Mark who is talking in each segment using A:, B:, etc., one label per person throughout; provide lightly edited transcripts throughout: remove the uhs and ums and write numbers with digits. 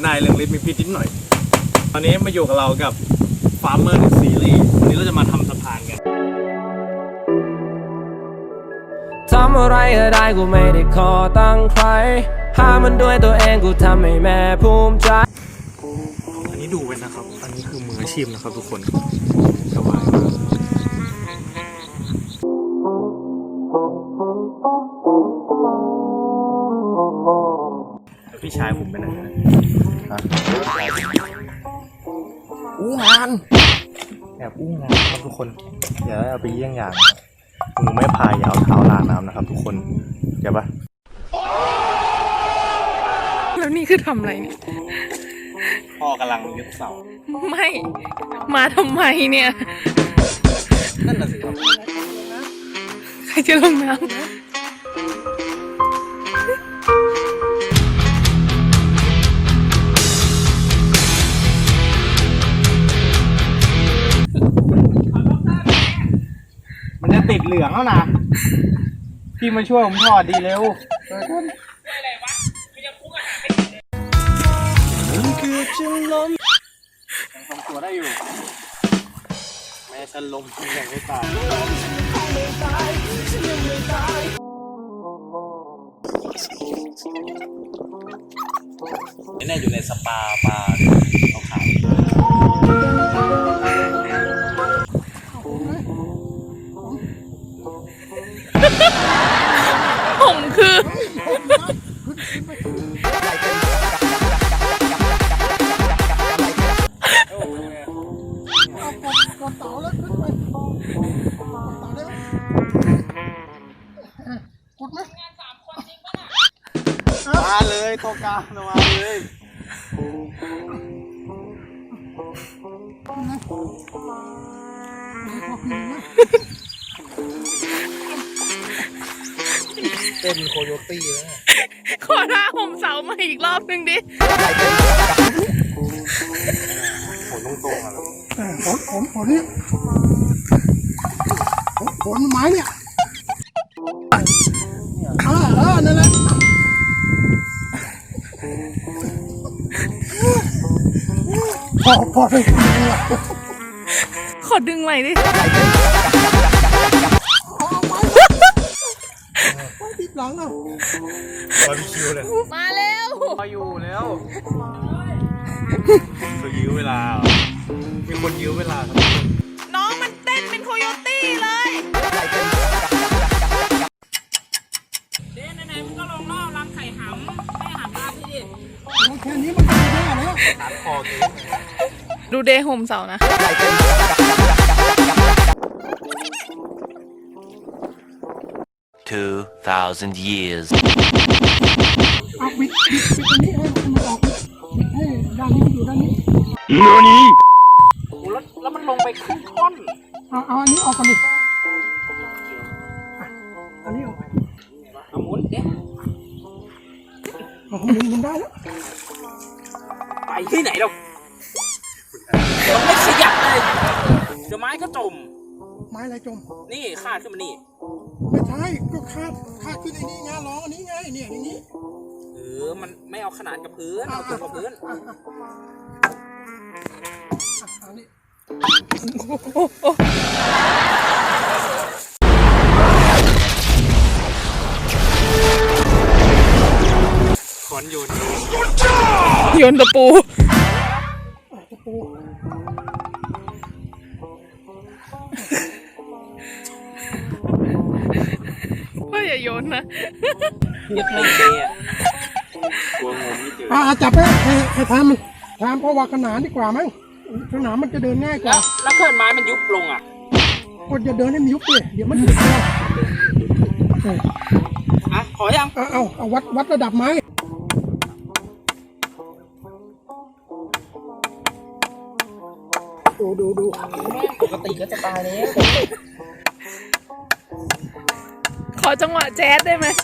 A: นายเรื่องลิ้นมีพิษนิดหน่อยตอนนี้มาอยู่กับเรากับ Farmer Series วันนี้เราจะมาทำสะพานกัน
B: ทำอะไรก็ได้กูไม่ได้ขอตั้งใครหามันด้วยตัวเองกูทำให้แม่ภูมิใจ
A: อันนี้ดูไว้นะครับอันนี้คือมืออาชีพนะครับทุกคนสบายมากพี่ชายผมไปไหนนะอู้งานแอบอู้งานครับทุกคนอย่าเอาไปเยี่ยงอย่างมือไม่พายอย่าเอาเท้าลาน้ำนะครับทุกคนเดี๋ยวปะ
C: แล้วนี่คือทำอะไรเนี่ย
A: พ่อกำลังยึดเสา
C: ไม่มาทำไมเนี่ย
A: นั่นน่ะสิครับ
C: ใครจะลงน้ำ
A: มันจะติดเหลืองแล้วนะพี่มาช่วยผมถอดดีเร็วยังทำตัวได้อยู่แม่ฉันลมยังไม่ตายนี่อยู่ในสปาปลาขาว
C: ผมคือ
A: มาเลยโตกามาเลยเต้นโคโยตี้แล้ว
C: ขอท่าผมเสามาอีกรอบนึงดิ
A: ผลตรงๆอ่ะ
D: ผลนี่ผลไม้เนี่ยนั่นแหละพอเลย
C: ขอดึงใหม่ดิ
D: ติดหลังอ่ะ
A: บาร์บีคิวเลย
C: มาเร็ว
A: มาอยู่แล้วเขายื้อเวลามีคนยื้อเวลาครับ
C: น้องมันเต้นเป็นโคโยตี้เลยเด่นไหนๆมึงก็ลงรอบรังไข่หำไม่หำราพี่ดิ
D: แค่นี้มันก็ได้แล้ว
A: ตัดคอตัว
C: ดูเดย์โฮมเสานะ
B: 2,000 years
D: เอาบิดตรงนี้ให้มันออกให้ด้านนี้อยู่ด้านนี้
A: แล้วมันลงไปครึ่งท่อน
D: เอาอันนี้ออกก่อนดิอันนี้ออก
A: เอาหมุนเอ๊ะ
D: หมุนได้แล้ว
A: ไปที่ไหนเราไม่ขยับเลยเดี๋ยวไม้ก็จม
D: ไม้อะไรจม
A: นี่คาดขึ้นมานี่
D: ไม่ใช่ก็คาดขึ้นไอ้นี่ไงล้ออันนี้ไงเนี่ยอย่างนี้
A: มันไม่เอาขนาดกับพื้นเอาตรงกับพื้น
D: อันนี้
A: ขอนโยน
C: ตะปูว่าอย่าโยนนะ
A: เย็บไม่เจอ่ะกลัวงมไม่เจอ
D: จับให้ทำเพราะว่าขนานดีกว่ามั้งขนานมันจะเดินง่ายกว่า
A: แล้วเกิดไม้มันยุบลงอ่ะ
D: คนจะเดินให้มันยุบเลยเดี๋ยวมันยุบ
A: ขอยัง
D: เอาวัดระดับไม้ดู
A: ปกติก็จะตายแล้ว
C: ขอจังหวะแจ๊สได้ไหม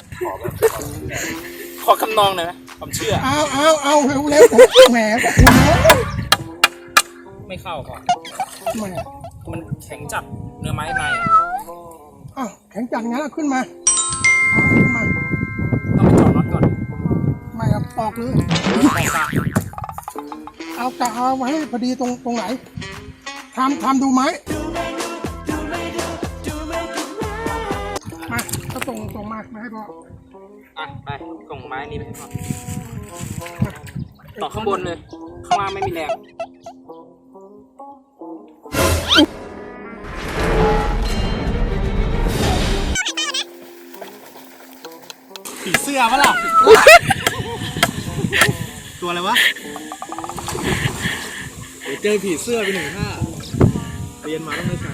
A: ขอคำนองหน่อยไหมผมเชื่อ
D: เอาเร็วแหม
A: ไม่เข้าก่อน
D: แหม
A: มันแข็งจัดเนื้อไม้ใน
D: แข็งจัดงั้นขึ้นมา
A: ต้องไปจอดน็อตก่อน
D: ไม่ครับออกเลยจะเอาไว้ให้พอดีตรงไหนทำดูไหมมาก็ส่งมาให้พ่อ
C: ไปส่งไม้นี้ไปให้พ่อต่อข้างบนเลย ข้างล่างไม่มีแรง
A: ผีเสื้อปะล่ะ ตัวอะไรวะเดี๋ยวเจอผีเสื้อไปหนึ่งท่าเรียนมาต้องไม่ใช้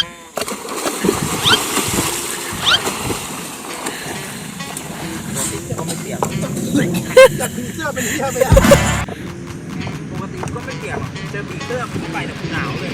A: ก็ไม่เปียกจากผีเสื้อเป็นเหี้ยไปแล้วปกติก็ไม่เปียกหรอกเจอผีเสื้อผมไปแต่ผมหนาวเลย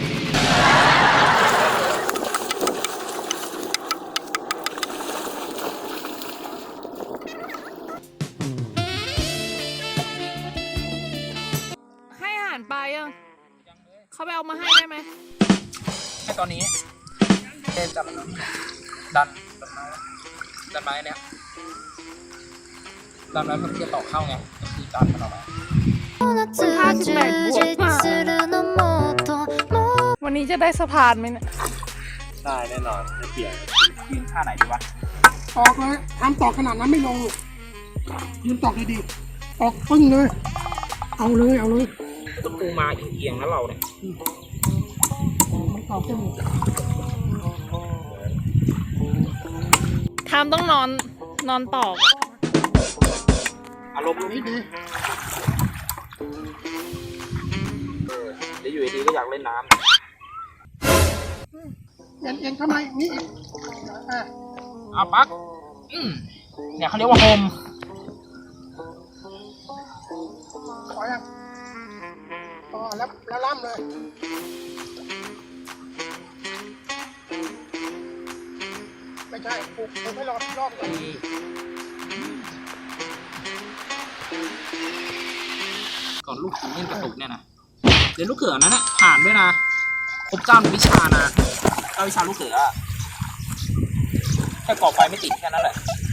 C: ให้อาหารปลายังเขาไปเอามาให้ได้ไหมให้ตอนนี้เดินจับดันไม้เนี่ยดันไม้เพื่อที่จะต่อเข้าไงก็คือดันมันออกมาวันนี้จะได้สะพานไหมเนี่ย
A: ได้แน่นอนไม่เปียก
C: ยืนท่าไหนดีวะ
D: ตอกเลยทำตอกขนาดนั้นไม่ลงยืนตอกดีๆตอกปึ้งเลยเอาเลย
C: ต้องปูมาเอียงๆนะเราเนี่ย
D: มันตอกจมูก
C: ทามต้องนอนตอกอารมณ์
D: นี่ดี
C: เดี๋ยวอยู่ดีก็อยากเล่นน้ำ
D: เอ็นทำไมนี่อีกอ่ะ
C: เอาปักเนี่ยเขาเรียกว่าโฮม
D: ขอยังต่อแล้วล่ำเลยไม่ใช่ปลูกให้รอบก่อน
C: ก่อนลูกถึงเล่นกระตุกเนี่ยนะเดี๋ยวลูกเขือนั้นน่ะผ่านด้วยนะครบ9 วิชานะ9 วิชาลูกเขือแค่ก่อไฟไม่ติดแค่นั้นแหละ